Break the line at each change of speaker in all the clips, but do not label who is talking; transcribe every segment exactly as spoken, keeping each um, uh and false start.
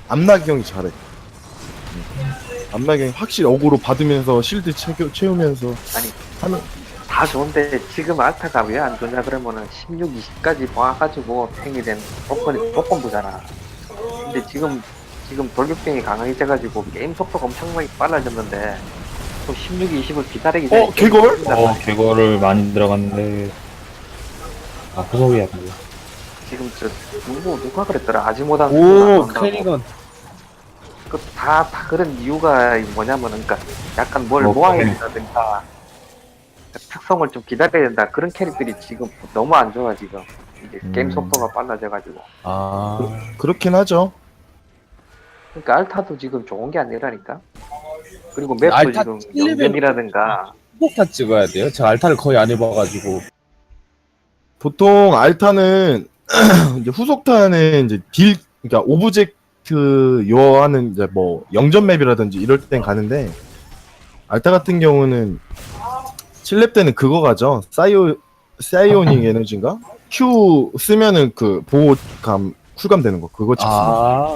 암나기 형이 잘해. 암나기 형이 확실히 어그로 받으면서 실드 채우, 채우면서
아니
하는.
다 좋은데 지금 알타가 왜 안 좋냐 그러면은 십육, 이십까지 모아가지고 탱이 된 조건이 조건부잖아. 근데 지금 지금 돌격병이 강해져가지고 게임 속도가 엄청 많이 빨라졌는데 또 십육, 이십을 기다리기 전에
어, 개걸?
어, 개거를 많이 들어갔는데. 아, 후속이야, 그거.
지금 저 누구 누가 그랬더라 아지모단
오, 캐리건.
그다 다 그런 이유가 뭐냐면은 그러니까 약간 뭘
뭐,
모아야
캐리.
된다든가 특성을 좀 기다려야 된다 그런 캐릭들이 지금 너무 안 좋아 지금 이제 게임
음.
속도가 빨라져가지고
아,
그렇긴 하죠.
그러니까 알타도 지금 좋은 게 아니라니까. 그리고 맵도
알타
지금
일 레벨
영전이라든가
폭탄 찍어야 돼요. 제가 알타를 거의 안 해봐가지고.
보통 알타는 이제 후속타는 이제 딜, 그러니까 오브젝트 요하는 이제 뭐 영전 맵이라든지 이럴 땐 가는데, 알타 같은 경우는 칠 렙 때는 그거 가죠. 사이오 사이오닉 에너지인가? Q 쓰면은 그 보호감 쿨감 되는 거 그거 찍습니다.
아,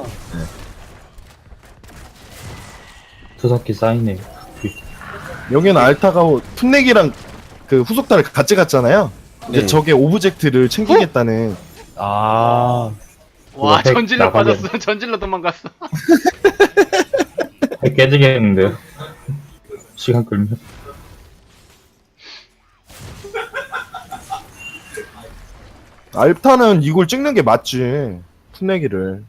투석기 쌓이네.
여기는 알타가 풋내기랑 그 후속타를 같이 갔잖아요. 근데
네.
저게 오브젝트를 챙기겠다는.
아,
와
그거 핵
전질러
나가게.
빠졌어. 전질러 도망갔어.
깨지겠는데요? 시간 끌면.
알타는 이걸 찍는 게 맞지. 풋내기를.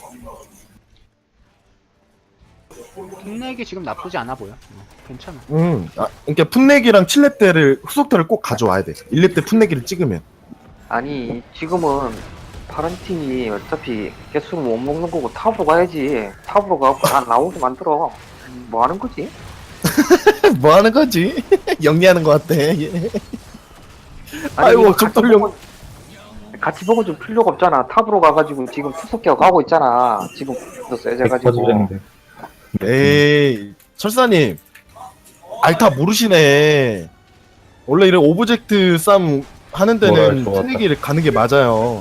흉내기 지금 나쁘지 않아 보여. 어, 괜찮아.
음, 아, 그러니까 풋내기랑 칠 렙 때를 후속타를 꼭 가져와야 돼. 일 렙 때 풋내기를 찍으면.
아니 지금은 파란 팀이 어차피 개수를 못 먹는 거고 탑으로 가야지. 탑으로 가고 다 나오게 만들어. 뭐 하는 거지?
뭐 하는 거지? 영리하는 것 같아. 얘.
아니,
아이고,
이거 같이
적돌령.
보고- 같이 보고 좀 필요가 없잖아. 탑으로 가가지고 지금 투석기가 가고 있잖아. 지금 도 세져가지고.
터지겠는데.
에이, 철사님. 알타 모르시네. 원래 이런 오브젝트 싸움 하는
뭐야,
데는
좋았다.
풋내기를 가는 게 맞아요.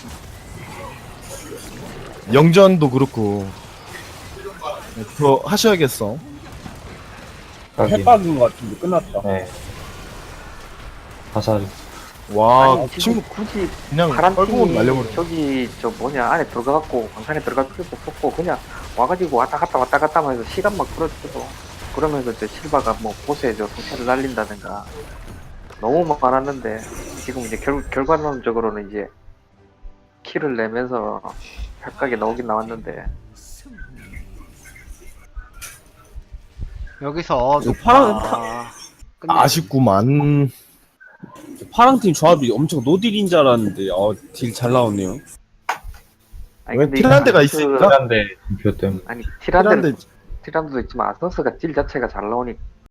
영전도 그렇고. 네, 그거 하셔야겠어.
가기.
해박인 것 같은데 끝났다.
네. 화살.
와,
아니, 지금
친구
굳이
그냥
파란
뻘고
팀이
날려버려.
저기 저 뭐냐 안에 들어가갖고 광산에 들어갈 필요도 없었고 그냥 와가지고 왔다 갔다 왔다 갔다 하면서 시간 막 끌어주고 그러면서 저 실바가 뭐 보스에 저 성체를 날린다든가 너무 많았는데 지금 이제 결, 결과론적으로는 이제 킬을 내면서 각각에 나오긴 나왔는데
여기서
이거
높아.
파란-
끝내.
아쉽구만.
파랑팀 조합이 엄청 노딜인 줄 알았는데, 어, 딜 잘 나오네요.
아니,
왜
근데
티란데가
그-
있으니까?
한데 표 때문에.
아니 티란데
티란데
티란드도 있지만 아서스가 딜 자체가 잘 나오니